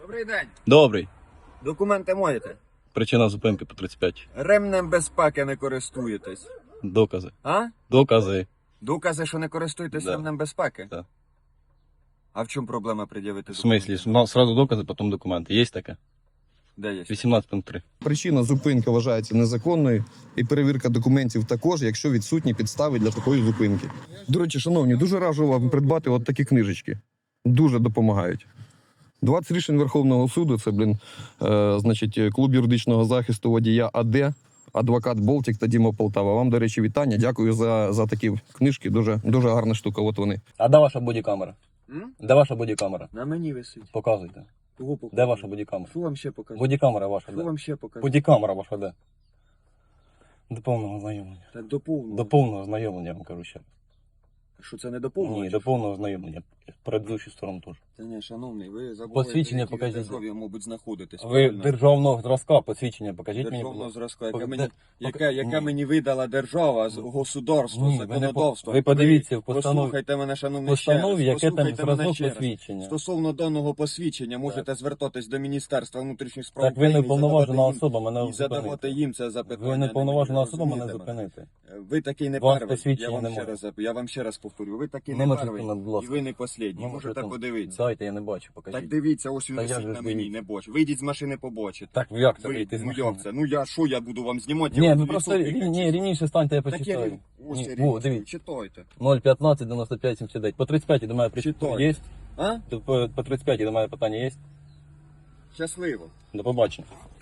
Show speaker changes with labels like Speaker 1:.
Speaker 1: Добрий день.
Speaker 2: Добрий.
Speaker 1: Документи маєте?
Speaker 2: Причина зупинки по 35.
Speaker 1: Ремнем безпеки не користуєтесь.
Speaker 2: Докази.
Speaker 1: А?
Speaker 2: Докази.
Speaker 1: Докази, що не користуєтесь
Speaker 2: Да.
Speaker 1: ремнем безпеки?
Speaker 2: Да.
Speaker 1: А в чому проблема пред'явити
Speaker 2: В смислі? Сразу докази, потім документи. Є таке?
Speaker 1: Де є?
Speaker 2: 18.3.
Speaker 3: Причина зупинки вважається незаконною, і перевірка документів також, якщо відсутні підстави для такої зупинки. До речі, шановні, дуже раджу вам придбати от такі книжечки. Дуже допомагають. 20 рішень Верховного суду, це, значить, клуб юридичного захисту водія АД, адвокат Болтік та Діма Полтава. Вам, до речі, вітання. Дякую за такі книжки. Дуже гарна штука. От вони.
Speaker 2: А де ваша бодікамера?
Speaker 1: М?
Speaker 2: Де ваша бодікамера?
Speaker 1: На мені висить.
Speaker 2: Показуйте.
Speaker 1: Кого показати?
Speaker 2: Де ваша бодікамера?
Speaker 1: Що вам ще показати?
Speaker 2: Бодікамера ваша
Speaker 1: Що
Speaker 2: де?
Speaker 1: вам ще показати?
Speaker 2: Бодікамера ваша де? До повного знайомлення.
Speaker 1: Так до повного.
Speaker 2: До повного знайомлення, я вам кажу ще.
Speaker 1: Що це не до повного?
Speaker 2: Ні,
Speaker 1: чи
Speaker 2: до
Speaker 1: що?
Speaker 2: повного знайомлення. Предыдущу сторону теж.
Speaker 1: Та ні, шановний, ви забули,
Speaker 2: Посвідчення
Speaker 1: в якій
Speaker 2: покажіть.
Speaker 1: державі, мабуть, знаходитесь.
Speaker 2: Ви
Speaker 1: правильно?
Speaker 2: державного зразка, посвідчення покажіть мені, будь
Speaker 1: Державного
Speaker 2: ласка.
Speaker 1: зразка, яке
Speaker 2: Де-
Speaker 1: мені,
Speaker 2: Ні.
Speaker 1: яке мені видала держава, государство,
Speaker 2: Ні, ви не
Speaker 1: законодавство.
Speaker 2: ви подивіться в постанові.
Speaker 1: Послухайте мене, шановний,
Speaker 2: Постанові,
Speaker 1: ще раз.
Speaker 2: яке там
Speaker 1: Послухайте мене
Speaker 2: зразок
Speaker 1: ще раз.
Speaker 2: посвідчення.
Speaker 1: Стосовно даного посвідчення можете звертатись до Міністерства внутрішніх справ
Speaker 2: Так ви не
Speaker 1: України і
Speaker 2: повноважена
Speaker 1: задавати
Speaker 2: особа, мене
Speaker 1: їм, і задавати
Speaker 2: зупинити.
Speaker 1: їм це запитання.
Speaker 2: Ви не повноважена особа, мене
Speaker 1: розумієте
Speaker 2: зупинити.
Speaker 1: Ви такий не
Speaker 2: Вас
Speaker 1: перший.
Speaker 2: посвідчення
Speaker 1: Я вам,
Speaker 2: немає.
Speaker 1: я вам ще раз повторю. Ви такий не
Speaker 2: Номер
Speaker 1: перший.
Speaker 2: телефону, будь
Speaker 1: І
Speaker 2: ласка.
Speaker 1: ви не послідній.
Speaker 2: Номер
Speaker 1: Можете
Speaker 2: телефону.
Speaker 1: подивитися.
Speaker 2: Дайте, я не бачу,
Speaker 1: Так
Speaker 2: покажіть.
Speaker 1: дивіться, ось він
Speaker 2: Та я
Speaker 1: висить
Speaker 2: ж
Speaker 1: на мені,
Speaker 2: дивіться.
Speaker 1: не бачу. Вийдіть з машини, побачите.
Speaker 2: Так, як це
Speaker 1: Ви,
Speaker 2: вийти з
Speaker 1: ну
Speaker 2: машини?
Speaker 1: як це? Ну я що, я буду вам знімати?
Speaker 2: Ні,
Speaker 1: Я
Speaker 2: ви
Speaker 1: вам
Speaker 2: просто
Speaker 1: в лісу тикати.
Speaker 2: ні, рівніше станьте, я
Speaker 1: Так я
Speaker 2: почитаю.
Speaker 1: ось
Speaker 2: Ні,
Speaker 1: рівно,
Speaker 2: во, дивіться.
Speaker 1: читайте.
Speaker 2: 015 95 79. По 35 до мене
Speaker 1: Читаю.
Speaker 2: є?
Speaker 1: А?
Speaker 2: По 35 до мене питання є?
Speaker 1: Щасливо.
Speaker 2: До побачення.